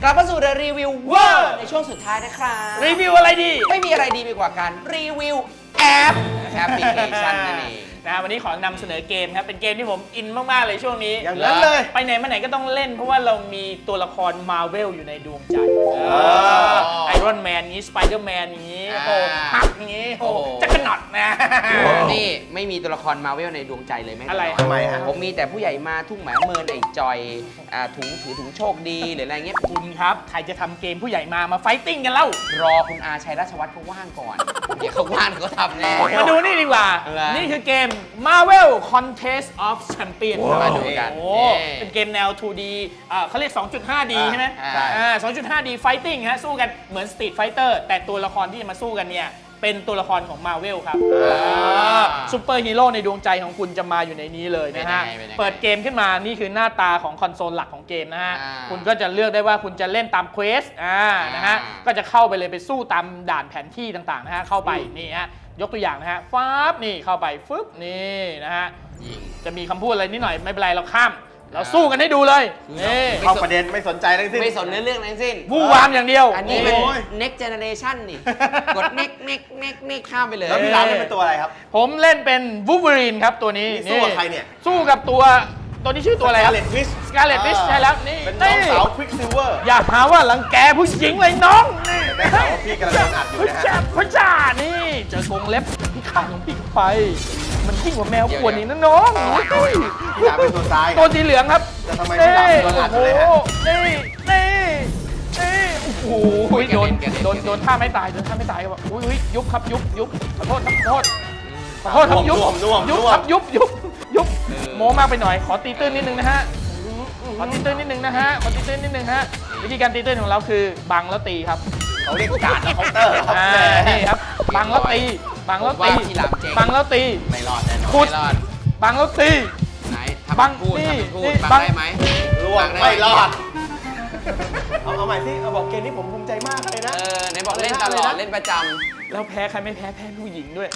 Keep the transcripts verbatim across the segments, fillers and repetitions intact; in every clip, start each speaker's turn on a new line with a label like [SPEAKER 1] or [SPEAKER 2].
[SPEAKER 1] กลับมาสู่รีวิวเวอร์ในช่วงสุดท้ายนะครับ
[SPEAKER 2] รีวิวอะไรดี
[SPEAKER 1] ไม่มีอะไรดีไปกว่าการรีวิวแอปแอปพลิเคชันนั่นเอง
[SPEAKER 2] นะวันนี้ขอนำเสนอเกมครับเป็นเกมที่ผมอินมากๆเลยช่วงนี้
[SPEAKER 3] อย่างนั้นเลย
[SPEAKER 2] ไปไหนมาไหนก็ต้องเล่นเพราะว่าเรามีตัวละครมาร์เวลอยู่ในดวงใจไอรอนแมนนี้สไปเดอร์แมนนี้โอ้ฮักนี้โอ้จักรน็อตนะ
[SPEAKER 1] นี่ไม่มีตัวละครมาร์เวลในดวงใจเลยไหม
[SPEAKER 2] อะไร
[SPEAKER 3] ทำไมฮะ
[SPEAKER 1] ผมมีแต่ผู้ใหญ่มาทุ่งหมาเมินไอ้จอยถุงถือถุงโชคดีหรืออะไรเงี้ย
[SPEAKER 2] คุณครับใครจะทำเกมผู้ใหญ่มามาไฟติ้งกันเล่าร
[SPEAKER 1] อคุณอาชัยราชวัฒน์เขาว่างก่อนเดี๋ยวเขาว่างเขาทำแน่
[SPEAKER 2] มาดูนี่ดีกว่านี่คือเกม Marvel Contest of Champions
[SPEAKER 1] มาดูกัน
[SPEAKER 2] โอ้เป็นเกมแนว ทู ดี อ่าเขาเรียก สองจุดห้า ดี ใช่ไหมอ่า สองจุดห้า ดี Fighting ฮะสู้กันเหมือน Street Fighter แต่ตัวละครที่จะมาสู้กันเนี่ยเป็นตัวละครของ Marvel ครับซูเปอร์ฮีโร่ในดวงใจของคุณจะมาอยู่ในนี้เลยนะฮะเปิดเกมขึ้นมานี่คือหน้าตาของคอนโซลหลักของเกมนะฮะคุณก็จะเลือกได้ว่าคุณจะเล่นตามเควสอ่านะฮะก็จะเข้าไปเลยไปสู้ตามด่านแผนที่ต่างๆนะฮะเข้าไปนี่ฮะยกตัวอย่างนะฮะฟ้าบนี่เข้าไปฟึบนี่นะฮะจะมีคำพูดอะไรนิดหน่อยไม่เป็นไรเราข้ามเราสู้กันให้ดูเลยนี่
[SPEAKER 3] เข้าประเด็นไม่สนใจทั้งสิ้น
[SPEAKER 1] ไม่สนเรื่องเรื่องทั้งสิ้น
[SPEAKER 2] วู่วามอย่างเดียว
[SPEAKER 1] อันนี้เป็น next generation นี่กด next next next next ข้ามไปเลย
[SPEAKER 3] แล้วพี่ร้านเล่นเป็นตัวอะไรครับ
[SPEAKER 2] ผมเล่นเป็นวูล์ฟเวอรีนครับตัวนี้
[SPEAKER 3] สู้กับใครเนี่ย
[SPEAKER 2] สู้กับตัวตัวนี้ชื่อตัวอะไรครับ
[SPEAKER 3] Scarlet Witch
[SPEAKER 2] Scarlet Witch ใช่แล้วนี่
[SPEAKER 3] เป็นน้องสาว Quicksilver
[SPEAKER 2] อย่าหาว่ารังแกผู้หญิงเลยน้องนี่
[SPEAKER 3] ได้ข่าวว่าพี่กำลังโดนอัดอยู่นะฮะ
[SPEAKER 2] พระจ่านี่เจอกรงเล็บพี่ข้างของพี่ไปมันยิ่งกว่าแมวขวดนี่นะน้อง
[SPEAKER 3] พี่ร้านเป็นตัวซ้าย
[SPEAKER 2] ตัวสีเหลืองครับ
[SPEAKER 3] แต่ทำไมพี่ร้านโดนอัดอยู่เลยฮะ
[SPEAKER 2] นี่นี่นี่โอ้โหโดนโดนโดนท่าไม่ตายโดนท่าไม่ตายครับอุ้ยยุบครับยุบยุบขอโทษขอโทษขอโทษครับยุบยุบครับยุบยุบยุบโมมากไปหน่อยขอตีตื้นนิดนึงนะฮะขอตีตื้นนิดนึงนะฮะขอตีตื้นนิดนึงฮะวิธีการตีตื้นของเราคือบังแล้วตีครับ
[SPEAKER 3] เขาเรียกการ์ดและเคาน์เตอร์ครับ
[SPEAKER 2] นี่ครับบังแล้วตีบังแล้วตีบังแล้วตี
[SPEAKER 3] ไม่รอดแน่นอน
[SPEAKER 2] ขุดบังแล้วตี
[SPEAKER 1] ไหนบังพูดพูดบังได้ไหม
[SPEAKER 3] ล่วงไม่รอดเอาเอาใหม่สิเอาบอกเกมนี้ผมภูมิใจมากเลยนะ
[SPEAKER 1] เออไหนบอกเล่นตลอดเล่นประจำ
[SPEAKER 2] แล้วแพ้ใครไม่แพ้แพ้ผู้หญิงด้วย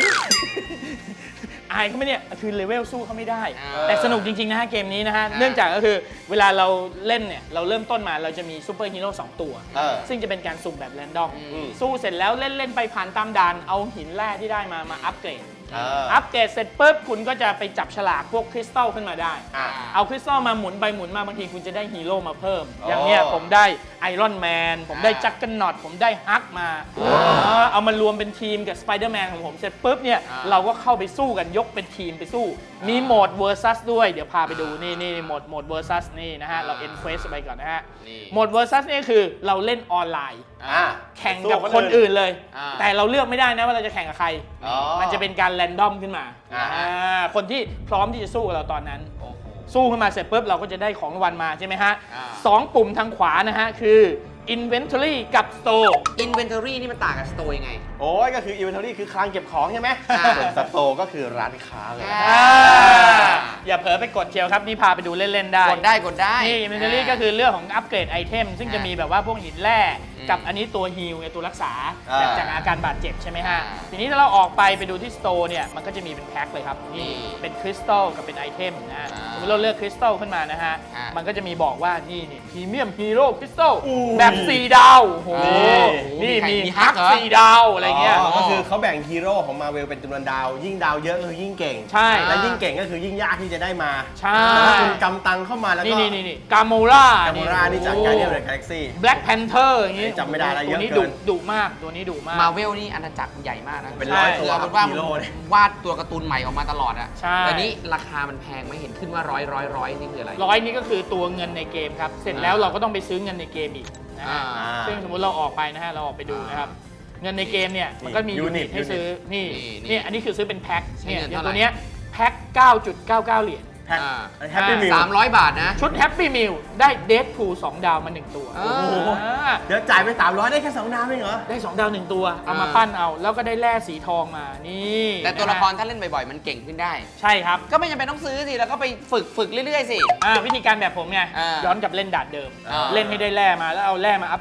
[SPEAKER 2] อายเขาไม่เนี่ยคือเลเวลสู้เขาไม่ได้แต่สนุกจริงๆนะฮะเกมนี้นะฮะเนื่องจากก็คือเวลาเราเล่นเนี่ยเราเริ่มต้นมาเราจะมีซูเปอร์ฮีโร่สองตัวซึ่งจะเป็นการสุ่มแบบแรนดอมสู้เสร็จแล้วเล่นเล่นไปผ่านตามด่านเอาหินแร่ที่ได้มามาอัปเกรดอัปเกรดเสร็จปุ๊บคุณก็จะไปจับฉลากพวกคริสตัลขึ้นมาได้เอาคริสตัลมาหมุนไปหมุนมาบางทีคุณจะได้ฮีโร่มาเพิ่มอย่างเนี้ยผมได้ไอรอนแมนผมได้จักรน็อตผมได้ฮักมาเอามารวมเป็นทีมกับสไปเดอร์แมนของผมเสร็จปุ๊บเนี่ยเราก็เข้าไปสู้กันยกเป็นทีมไปสู้มีโหมด versus ด้วยเดี๋ยวพาไปดูนี่นี่โหมดโหมด versus นี่นะฮะเราเอ็นเควสไปก่อนนะฮะโหมด versus นี่คือเราเล่นออนไลน์แข่งกับคนอื่นเลยแต่เราเลือกไม่ได้นะว่าเราจะแข่งกับใครมันจะเป็นการแรนดอมขึ้นมาคนที่พร้อมที่จะสู้กับเราตอนนั้นสู้ขึ้นมาเสร็จปุ๊บเราก็จะได้ของรางวัลมาใช่ไหมฮะสองปุ่มทางขวานะฮะคือ Inventory กับ Store
[SPEAKER 1] Inventory นี่มันต่างกับ Store ยังไง
[SPEAKER 3] โอ้ยก็คือ Inventory คือคลังเก็บของใช่ไหมส่วน Store ก็คือร้านค้าเลย
[SPEAKER 2] อย่าเผลอไปกดเชียวครับนี่พาไปดูเล่นๆได้
[SPEAKER 1] กดได้กดได้
[SPEAKER 2] นี่ Inventory ก็คือเรื่องของอัปเกรดไอเทมซึ่งจะมีแบบว่าพวกหินแร่กับอันนี้ตัวฮีลตัวรักษาจากอาการบาดเจ็บใช่ไหมฮะทีนี้ถ้าเราออกไปไปดูที่ Store เนี่ยมันก็จะมีเป็นแพ็คเลยครับนี่เป็นคริสตัลกับเป็นไอเทมนะสมมติเราเลือกคริสตัลขึ้นมานะฮะมันก็จะมีบอกว่านี่นี่พรีเมียมฮีโร่คริสตัลแบบสี่ดาวโอ้โหนี่มีฮักสี่ดาวอะไรเงี้ย
[SPEAKER 3] ก็คือเขาแบ่งฮีโร่ของมาเวลเป็นจำนวนดาวยิ่งดาวเยอะก็คือยิ่งเก่ง
[SPEAKER 2] ใช่
[SPEAKER 3] และยิ่งเก่งก็คือยิ่งยากที่จะได้มา
[SPEAKER 2] ใช่
[SPEAKER 3] ถ้าคุณกำตังเข้ามาแล้วก็
[SPEAKER 2] นี่นี่นี่กาโมร่าก
[SPEAKER 3] าโมร่านี่จากการเดียร์กาแล็กซี่
[SPEAKER 2] แบล็กแพนเทอร์อย่างงี้
[SPEAKER 3] จำไม่ได้แล้วเยอะ
[SPEAKER 2] เกินดุมากตัวนี้ดุมาก
[SPEAKER 1] มาเวลนี่อาณาจักรใหญ่มากนะ
[SPEAKER 3] เป็นร้อยตัว
[SPEAKER 1] เป็นว่าวาดตัวการ์ตูนใหม่ออกมาตลอดอะแต่นี้ราคามันแพงไม่เห็นขึ้นว่าร้อยร้อยร้อยนี่คืออะไร
[SPEAKER 2] ร้อยนี่ก็คือตัวเงินในเกมครับเสร็จแล้วเราก็ต้องไปซื้อเงินในเกมอีกนะซึ่งสมมติเราออกไปนะฮะเราออกไปดูนะครับเงินในเกมเนี่ยมันก็มียูนิตให้ซื้อนี่นี่อันนี้คือซื้อเป็นแพ็คเนี่ยอย่างตัวเนี้ยแพ็ค เก้าจุดเก้าเก้า เหรียญ
[SPEAKER 3] แฮปปี้มิล
[SPEAKER 1] สามร้อยบาทนะ
[SPEAKER 2] ชุดแฮปปี้มิลได้เดดพูลสองดาวมาหนึ่งตัว
[SPEAKER 3] เดี๋ยวจ่ายไปสามร้อยได้แค่สองดาวเองเหรอ
[SPEAKER 2] ได้สองดาวหนึ่งตัวเอามาปั้นเอาแล้วก็ได้แร่สีทองมานี่
[SPEAKER 1] แต่ตัวละครถ้าเล่นบ่อยๆมันเก่งขึ้นได้
[SPEAKER 2] ใช่ครับ
[SPEAKER 1] ก็ไม่จำเป็นต้องซื้อสิแล้วก็ไปฝึกฝึกเรื่อยๆสิ
[SPEAKER 2] วิธีการแบบผมไงย้อนกลับเล่นด่านเดิมเล่นให้ได้แร่มาแล้วเอาแร่มาอัปเกรด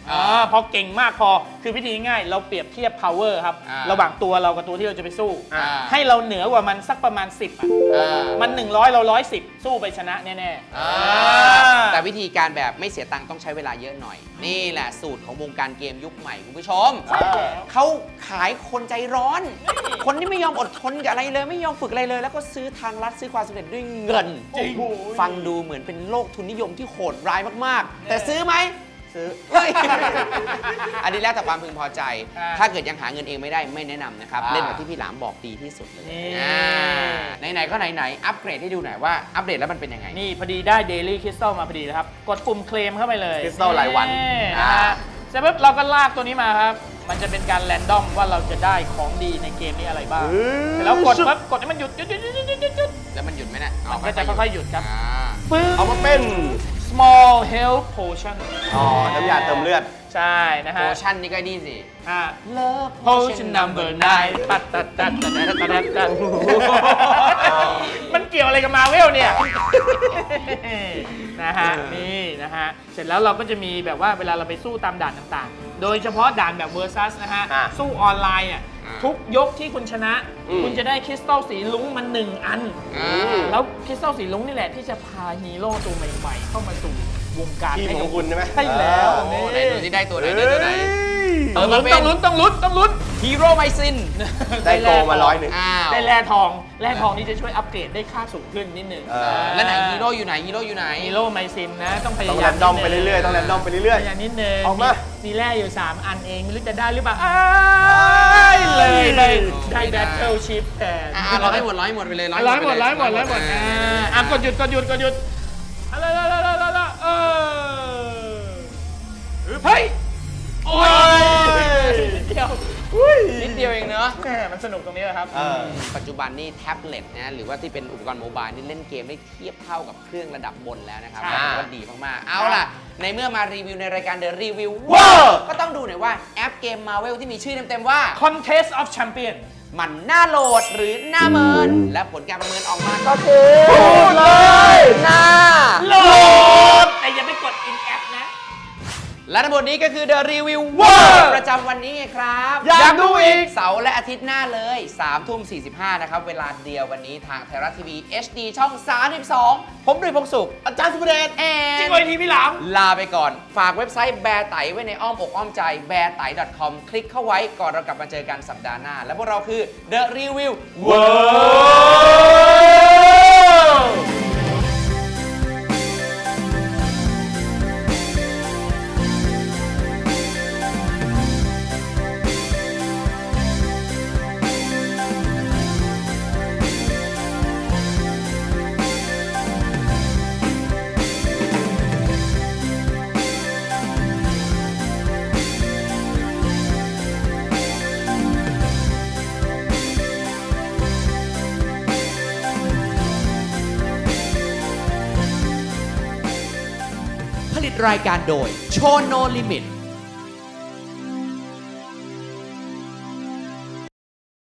[SPEAKER 2] อ่าพอเก่งมากพอคือวิธีง่ายเราเปรียบเทียบ power ครับ
[SPEAKER 1] อ่า
[SPEAKER 2] ระหว่างตัวเรากับตัวที่เราจะไปสู้
[SPEAKER 1] อ่า
[SPEAKER 2] ให้เราเหนือกว่ามันสักประมาณสิบอ่ะ
[SPEAKER 1] อ่า
[SPEAKER 2] มันหนึ่งร้อยเราร้อยสิบสู้ไปชนะแน่ๆ
[SPEAKER 1] อ่า
[SPEAKER 2] อ่า
[SPEAKER 1] แต่วิธีการแบบไม่เสียตังค์ต้องใช้เวลาเยอะหน่อย นี่แหละสูตรของวงการเกมยุคใหม่คุณผู้ชม
[SPEAKER 3] ใช่แล้ว
[SPEAKER 1] เขาขายคนใจร้อน คนที่ไม่ยอมอดทนกับอะไรเลย ไม่ยอมฝึกอะไรเลย แล้วก็ซื้อทางลัดซื้อความสำเร็จด้วยเงิน
[SPEAKER 2] จริง
[SPEAKER 1] ฟังดูเหมือนเป็นโลกทุนนิยมที่โหดร้ายมากๆ แต่ซื้อไหม
[SPEAKER 3] ซื้อ
[SPEAKER 1] เฮ้ย อันนี้แล้วแต่ความพึงพอใจ
[SPEAKER 2] อ่า
[SPEAKER 1] ถ้าเกิดยังหาเงินเองไม่ได้ไม่แนะนำนะครับ
[SPEAKER 3] อ่า
[SPEAKER 1] เล่นแบบที่พี่หลามบอกดีที่สุดเลย
[SPEAKER 2] นี่
[SPEAKER 1] อ่าไหนๆก็ไหนๆอัปเกรดให้ดูหน่อยว่าอัปเดตแล้วมันเป็นยังไง
[SPEAKER 2] นี่พอดีได้ Daily Crystal มาพอดีเลยครับ กดปุ่มเคลมเข้าไปเลย
[SPEAKER 3] Crystal รายวัน
[SPEAKER 2] นะฮะเสร็จปุ๊บเราก็ลากตัวนี้มาครับ มันจะเป็นการแรนดอมว่าเราจะได้ของดีในเกมนี้อะไรบ้าง
[SPEAKER 3] เออ
[SPEAKER 2] เสร็จแล้วกดปั๊บกดให้มันหยุดหยุดหยุดหยุดหยุดหยุดหยุด
[SPEAKER 1] แล้วมันหยุดไหมเนะ
[SPEAKER 2] มันก็จะค่อยๆหยุดครับ
[SPEAKER 1] อ่า
[SPEAKER 2] ปึ๊บ
[SPEAKER 3] เอามาเป็น
[SPEAKER 2] small health potion
[SPEAKER 3] อ๋อ น้ำยาเติมเลือด
[SPEAKER 2] ใช่นะ
[SPEAKER 1] โพ
[SPEAKER 2] ฮะ
[SPEAKER 1] ชั่นนี่ก็นี่สิ
[SPEAKER 2] อ่า
[SPEAKER 1] Love
[SPEAKER 2] potion number nine ตัดตัดตัดตัดตัดตัดตัดมันเกี่ยวอะไรกับมาเวลเนี่ย นะฮะ นี่นะฮะ เสร็จแล้วเราก็จะมีแบบว่าเวลาเราไปสู้ตามด่านต่างๆ โดยเฉพาะด่านแบบ versus นะฮะ
[SPEAKER 3] อ่ะ
[SPEAKER 2] สู้ออนไลน์อ่ะ
[SPEAKER 1] อ่ะ
[SPEAKER 2] ทุกยกที่คุณชนะ
[SPEAKER 3] อืม
[SPEAKER 2] คุณจะได้คริสตัลสีลุ้งมันหนึ่งอัน
[SPEAKER 1] อ่า
[SPEAKER 2] แล้วคริสตัลสีลุ้งนี่แหละที่จะพาฮีโร่ตัวใหม่ๆ เข้ามาสู่วงการ
[SPEAKER 3] ทีม
[SPEAKER 2] ให้
[SPEAKER 3] ข
[SPEAKER 2] กั
[SPEAKER 3] อบ งคุณใช่ไหม
[SPEAKER 2] ใช่แล้ว
[SPEAKER 1] โอ้โหไหนดูที่ได้ตัวไหน
[SPEAKER 3] เฮ้
[SPEAKER 1] ได้ตัวไหน
[SPEAKER 3] ย
[SPEAKER 1] เอ
[SPEAKER 2] ต้
[SPEAKER 1] อ
[SPEAKER 2] อง
[SPEAKER 1] มา
[SPEAKER 2] ลุ้น
[SPEAKER 1] เป็น
[SPEAKER 2] ต้องลุ้นต้องลุ้นต้องลุ้น
[SPEAKER 1] ฮีโร่ไมซิน
[SPEAKER 3] ได้โกมาร้อยหนึ่ง
[SPEAKER 1] อ้าว
[SPEAKER 2] ได้แร่ทองแร่ทองนี่จะช่วยอัปเกรดได้ค่าสูงขึ้นนิดหนึ่ง
[SPEAKER 3] เออ
[SPEAKER 1] แล้วไหนฮีโร่อยู่ไหนฮีโร่อยู่ไหน
[SPEAKER 2] ฮีโร่ไมซินนะ ต้องพยา
[SPEAKER 3] ต้อง
[SPEAKER 2] ยา
[SPEAKER 3] แร
[SPEAKER 2] ม
[SPEAKER 3] นดอมไปเรื่อยๆ ต้องแรนดอมไปเรื่อย
[SPEAKER 2] พยายามนิดนึง
[SPEAKER 3] เอามา
[SPEAKER 2] มีแร่อยู่ สาม อันเอง ไม่รู้จะได้หรือเปล่าอ้ายเลยเลยได้แบทเทิลชิพแทน
[SPEAKER 1] อ่ะร้อยหมดร้อยหมดไปเลย
[SPEAKER 2] ร้อยหมดร้อยหมดร้อยหมดอ่าอ่ะกดหยุดกดหยุดกดหยุดอะไรอะไรอะไรอะไรเออเฮ้ย โอ้ยนิดเดียว
[SPEAKER 1] นิดเดียวเองเนอะ
[SPEAKER 2] แหมมันสนุกตรงนี้แหละครับ
[SPEAKER 3] ๆ เออ
[SPEAKER 1] ปัจจุบันนี่แท็บเล็ตนะหรือว่าที่เป็นอุปกรณ์โมบายนี่เล่นเกมได้เทียบเท่ากับเครื่องระดับบนแล้วนะครับ
[SPEAKER 2] ใช่
[SPEAKER 1] ถือว่าดีมากๆ เอาล่ะ ในเมื่อมารีวิวในรายการ The Review
[SPEAKER 3] ว้าว
[SPEAKER 1] ก็ต้องดูหน่อยว่าแอปเกม Marvel ที่มีชื่อเต็มๆว่า
[SPEAKER 2] Contest of Champion
[SPEAKER 1] มันน่าโหลดหรือน่าเมิน และผลการประเมินออกมาก็คือ
[SPEAKER 3] พูดเลย
[SPEAKER 1] น่า
[SPEAKER 2] โหลดแต่อย่าไปกด in app นะ
[SPEAKER 1] และทั้งหมดนี้ก็คือ The Review
[SPEAKER 3] ว้าว
[SPEAKER 1] ประจำวันนี้ไงครับ
[SPEAKER 3] อยากดูอีก
[SPEAKER 1] เสาร์และอาทิตย์หน้าเลยสามทุ่มสี่สิบห้านะครับ เวลาเดียววันนี้ทางไทยรัฐทีวี เอช ดี ช่อง สามสิบสอง ผมดุยพงษ์สุข
[SPEAKER 3] อาจารย์สุภเดช
[SPEAKER 1] แอ
[SPEAKER 2] จริ
[SPEAKER 1] น
[SPEAKER 2] งเลยทีพี่หลาม
[SPEAKER 1] ลาไปก่อน ฝากเว็บไซต์แบร์ไตไว้ในอ้อมอกอ้อมใจ แบร์ไต .com คลิกเข้าไว้ก่อนเรากลับมาเจอกันสัปดาห์หน้า และพวกเราคือ The Review
[SPEAKER 3] ว้าว
[SPEAKER 1] ผลิตรายการโดยโชโนลิมิต